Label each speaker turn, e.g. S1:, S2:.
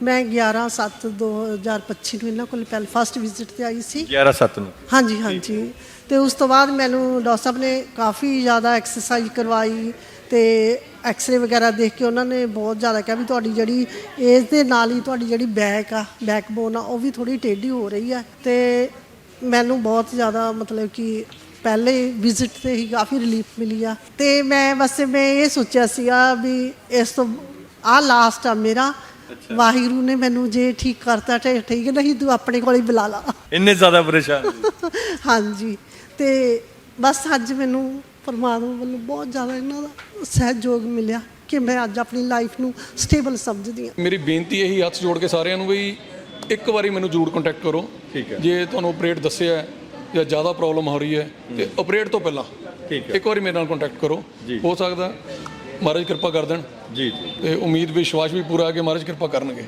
S1: ਮੈਂ 11/7/2025 ਨੂੰ ਇਹਨਾਂ ਕੋਲ ਪਹਿਲਾਂ ਫਸਟ ਵਿਜ਼ਿਟ ਤੇ ਆਈ ਸੀ।
S2: 11/7 ਨੂੰ।
S1: ਹਾਂਜੀ ਹਾਂਜੀ। ਤੇ ਉਸ ਤੋਂ ਬਾਅਦ ਮੈਨੂੰ ਡਾਕਟਰ ਸਾਹਿਬ ਨੇ ਕਾफ़ੀ ਜ਼ਿਆਦਾ ਐਕਸਰਸਾਈਜ਼ ਕਰਵਾਈ ਤੇ ਐਕਸਰੇ ਵਗੈਰਾ ਦੇਖ ਕੇ ਉਹਨਾਂ ਨੇ ਬਹੁਤ ਜ਼ਿਆਦਾ ਕਿਹਾ ਵੀ ਤੁਹਾਡੀ ਜਿਹੜੀ ਏਜ ਦੇ ਨਾਲ ਹੀ ਤੁਹਾਡੀ ਜਿਹੜੀ ਬੈਕਬੋਨ ਆ ਉਹ ਵੀ ਥੋੜ੍ਹੀ ਟੇਢੀ ਹੋ ਰਹੀ ਹੈ। ਤੇ ਮੈਨੂੰ ਬਹੁਤ ਜ਼ਿਆਦਾ ਮਤਲਬ ਕਿ ਪਹਿਲੇ ਵਿਜ਼ਿਟ ਤੇ ਹੀ ਕਾफ़ੀ ਰਿਲੀਫ ਮਿਲੀ ਆ। ਤੇ ਮੈਂ ਇਹ ਸੋਚਿਆ ਸੀਗਾ ਵੀ ਇਸ ਤੋਂ ਲਾਸਟ ਆ ਮੇਰਾ। ਵਾਹਿਗੁਰੂ ਨੇ ਮੈਨੂੰ ਜੇ ਠੀਕ ਕਰਤਾ ਤੇ ਠੀਕ, ਨਹੀਂ ਤੂੰ ਆਪਣੇ ਕੋਲ ਹੀ ਬੁਲਾ ਲਾ।
S2: ਇੰਨੇ ਜ਼ਿਆਦਾ ਪਰੇਸ਼ਾਨ?
S1: ਹਾਂਜੀ। ਤੇ ਬਸ ਅੱਜ ਮੈਨੂੰ ਪਰਮਾਤਮਾ ਵੱਲੋਂ ਬਹੁਤ ਜ਼ਿਆਦਾ ਇਹਨਾਂ ਦਾ ਸਹਿਯੋਗ ਮਿਲਿਆ ਕਿ ਮੈਂ ਅੱਜ ਆਪਣੀ ਲਾਈਫ ਨੂੰ ਸਟੇਬਲ ਸਮਝਦੀ ਹਾਂ।
S3: ਮੇਰੀ ਬੇਨਤੀ ਇਹੀ ਹੱਥ ਜੋੜ ਕੇ ਸਾਰਿਆਂ ਨੂੰ ਵੀ ਇੱਕ ਵਾਰੀ ਮੈਨੂੰ ਜ਼ਰੂਰ ਕੰਟੈਕਟ ਕਰੋ।
S2: ਠੀਕ ਹੈ।
S3: ਜੇ ਤੁਹਾਨੂੰ ਆਪਰੇਟ ਦੱਸਿਆ ਹੈ ਜਾਂ ਜ਼ਿਆਦਾ ਪ੍ਰੋਬਲਮ ਹੋ ਰਹੀ ਹੈ ਤੇ ਆਪਰੇਟ ਤੋਂ ਪਹਿਲਾਂ ਇੱਕ ਵਾਰੀ ਮੇਰੇ ਨਾਲ ਕੰਟੈਕਟ ਕਰੋ। ਹੋ ਸਕਦਾ ਮਹਾਰਾਜ ਕਿਰਪਾ ਕਰ ਦੇਣ।
S2: ਜੀ ਜੀ।
S3: ਤੇ ਉਮੀਦ ਵਿਸ਼ਵਾਸ ਵੀ ਪੂਰਾ ਹੈ ਕਿ ਮਹਾਰਾਜ ਕਿਰਪਾ ਕਰਨਗੇ।